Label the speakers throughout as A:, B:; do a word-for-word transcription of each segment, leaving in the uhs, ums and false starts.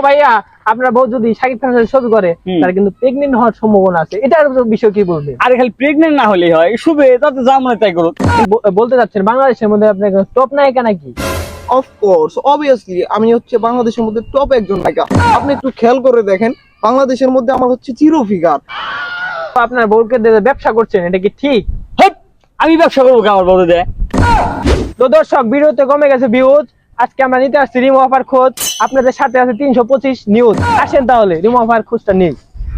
A: ভাইয়া আপনার বউ যদি শাকিব খানের সাথে ছবি করে তাহলে কিন্তু প্রেগনেন্ট হওয়ার সম্ভাবনা আছে, এটার বিষয় কি বলবেন?
B: আরে খালি প্রেগনেন্ট না হলেই হয়, শুবে তাতে যা মনে তাই করুক।
A: ব- বলতে চাচ্ছেন বাংলাদেশের মধ্যে আপনার টপ নায়িকা নাকি?
C: অফকোর্স, অবভিয়াসলি আমি হচ্ছে বাংলাদেশের মধ্যে টপ একজন নায়িকা। আপনি একটু খেয়াল করে দেখেন, বাংলাদেশের মধ্যে আমার হচ্ছে জিরো ফিগার।
A: আপনার বউকে দিয়ে ব্যবসা করছেন, এটা কি ঠিক?
B: হট, আমি ব্যবসা করবো আমার বড় দেয়।
A: তো দর্শক, ভিডিওতে কমে গেছে ভিউজ, আজকে আমরা নিতে আসছি রিমু আপার খোঁজ। আপনাদের সাথে আছে তিনশো পঁচিশ নিউজ। আসেন তাহলে রিমু আপার খোঁজটা নিই।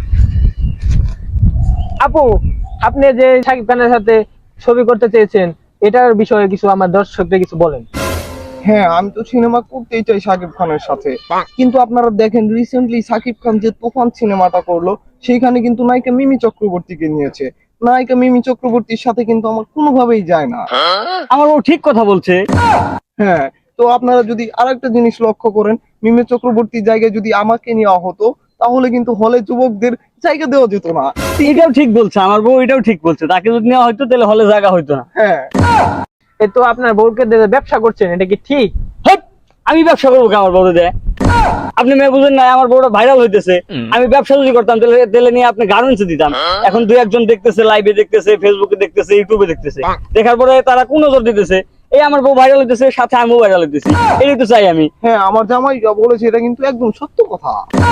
A: আপু, আপনি যে শাকিব খানের সাথে ছবি করতে চেয়েছেন, এটার বিষয়ে কিছু আমার দর্শকদের কিছু বলেন।
C: হ্যাঁ, আমি তো সিনেমা করতেই চাই সাকিব খানের সাথে, কিন্তু আপনারা দেখেন রিসেন্টলি সাকিব খান যে তুফান সিনেমাটা করলো, সেইখানে কিন্তু নায়িকা মিমি চক্রবর্তীকে নিয়েছে। নায়িকা মিমি চক্রবর্তীর সাথে কিন্তু আমার কোনোভাবেই যায় না।
B: আমার বউ ঠিক কথা বলছে।
C: হ্যাঁ, তো আপনারা যদি আরেকটা জিনিস লক্ষ্য করেন, মিমি চক্রবর্তীর জায়গায় যদি আমাকে নেওয়া হতো, তাহলে কিন্তু হলে যুবকদের জায়গা দেওয়া যেত না।
B: এটাও ঠিক বলছে আমার বউ, এটাও ঠিক বলছে। তাকে যদি নেওয়া হয়তো তাহলে হলে জায়গা হইতো না।
C: হ্যাঁ,
A: এ তো আপনার বউকে দিয়ে ব্যবসা করছেন, এটা কি ঠিক?
B: হট, আমি ব্যবসা করবো আমার বড় দেয়। আপনি মেয়ে বুঝেন না, আমার বউটা ভাইরাল হইতেছে। আমি ব্যবসা যদি করতাম তাহলে তাহলে নিয়ে আপনি গার্মেন্টসে দিতাম। এখন দুই একজন দেখতেছে, লাইভে দেখতেছে, ফেসবুকে দেখতেছে, ইউটিউবে দেখতেছে, দেখার পরে তারা কোন নজর দিতেছে, এই আমার বউ ভাইরাল হইতেছে, সাথে আমিও ভাইরাল হইতেছি। এটাই তো চাই আমি।
C: হ্যাঁ, আমার জামাই যা বলেছে এটা কিন্তু একদম সত্য কথা।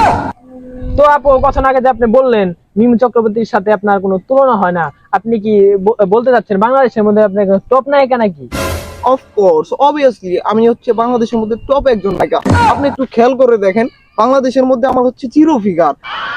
A: তো আপু, কথা আগে যে আপনি বললেন মিমি চক্রবর্তীর সাথে আপনার কোনো তুলনা হয় না, আপনি কি ব- বলতে চাচ্ছেন বাংলাদেশের মধ্যে আপনার টপ নায়িকা নাকি?
C: অফকোর্স, অবভিয়াসলি আমি হচ্ছে বাংলাদেশের মধ্যে টপ একজন নায়িকা। আপনি একটু খেয়াল করে দেখেন, বাংলাদেশের মধ্যে আমার হচ্ছে জিরো ফিগার।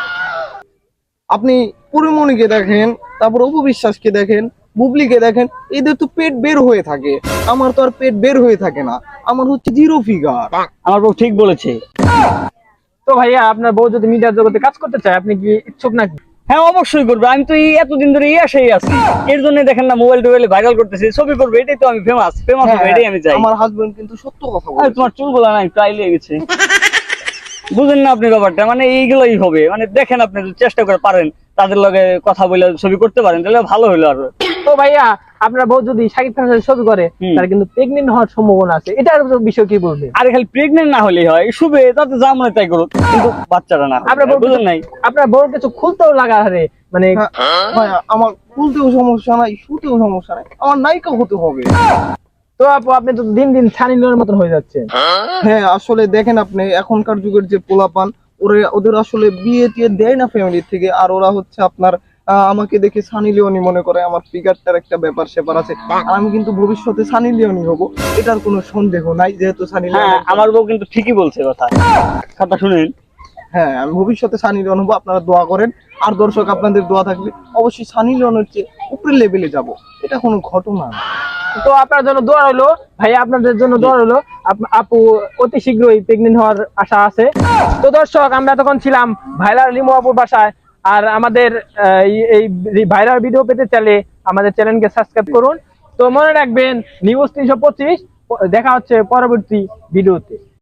C: আপনি পরিমণিকে দেখেন, তারপর অপু বিশ্বাসকে দেখেন, বুবলিকে দেখেন, এদের তো পেট বের হয়ে থাকে। আমার তো আর পেট বের হয়ে থাকে না, আমার হচ্ছে জিরো ফিগার।
B: আমার বউ ঠিক বলেছে।
A: তো ভাইয়া, আপনার বউ যদি মিডিয়ার জগতে কাজ করতে চায়, আপনি কি ইচ্ছুক নাকি?
B: হ্যাঁ, অবশ্যই করবো। আমি তো এই এতদিন ধরে এই আশাই আছি। এর জন্য দেখেন না, মোবাইল টোবাইলে ভাইরাল করতেছি, ছবি করবো, এটাই তো আমি ফেমাস ফেমাস হবে, এটাই আমি চাই।
C: আমার হাজবেন্ড কিন্তু সত্য কথা
B: আরে
C: বলে।
B: তোমার চুল বলা নাই, প্রায় লেগে গেছে। বুঝেন না আপনি ব্যাপারটা, মানে এইগুলোই হবে। মানে দেখেন, আপনি যদি চেষ্টা করে পারেন তাদের লগে কথা বলে ছবি করতে পারেন, তাহলে ভালো হলো আরো।
A: তো ভাইয়া, আপনার বউ যদি শাকিব খানের সাথে ছবি করে
B: হুম।
A: তাহলে কিন্তু প্রেগনেন্ট হওয়ার সম্ভাবনা আছে, এটার বিষয় কি বলবেন?
B: আরে খালি প্রেগনেন্ট না হলেই হয়, শুবে তাতে যা মনে তাই করুক, কিন্তু বাচ্চাটা না
A: আপনার বউ
B: বুঝেন নাই।
A: আপনার বউর কিছু খুলতেও লাগা হারে, মানে
C: হ্যাঁ, ভাইয়া, আমার খুলতেও সমস্যা নাই, শুতেও সমস্যা নাই, আমার নায়িকা হতে হবে।
A: তো আপু, আপনি তো দিন দিন সানি লিওনের মতন হয়ে যাচ্ছেন।
C: হ্যাঁ, আসলে দেখেন আপনি এখনকার যুগের যে পোলাপান, ওরা ওদের আসলে বিয়ে টিয়ে দেয় না ফ্যামিলি থেকে, আর ওরা হচ্ছে আপনার আহ, আমাকে দেখে সানি লিওনি মনে করে। আমার ফিগারটার একটা ব্যাপার স্যাপার আছে, আর আমি কিন্তু ভবিষ্যতে সানি লিওনি হব, এটার কোনো সন্দেহ নাই, যেহেতু সানি লিওন
B: হ্যাঁ,
C: একজন-
B: আমার বউ কিন্তু ঠিকই বলছে কথা। কথা শুনেন।
C: হ্যাঁ, আমি ভবিষ্যতে সানি লিওন হবো, আপনারা দোয়া করেন। আর দর্শক, আপনাদের দোয়া থাকলে অবশ্যই সানি লিওনের চেয়ে উপরের লেভেলে যাব, এটা কোনো ঘটনা না।
A: তো আপনার জন্য দোয়া রইলো ভাইয়া, আপনাদের জন্য দোয়া রইলো। আপ- আপু অতি শীঘ্রই প্রেগনেন্ট হওয়ার আশা আছে। তো দর্শক, আমরা তখন ছিলাম ভাইরাল লিমু আপুর বাসায়। আর আমাদের আহ, এই- এই ভাইরাল ভিডিও পেতে চাইলে আমাদের চ্যানেলকে সাবস্ক্রাইব করুন। তো মনে রাখবেন, নিউজ তিনশো পঁচিশ, দেখা হচ্ছে পরবর্তী ভিডিওতে।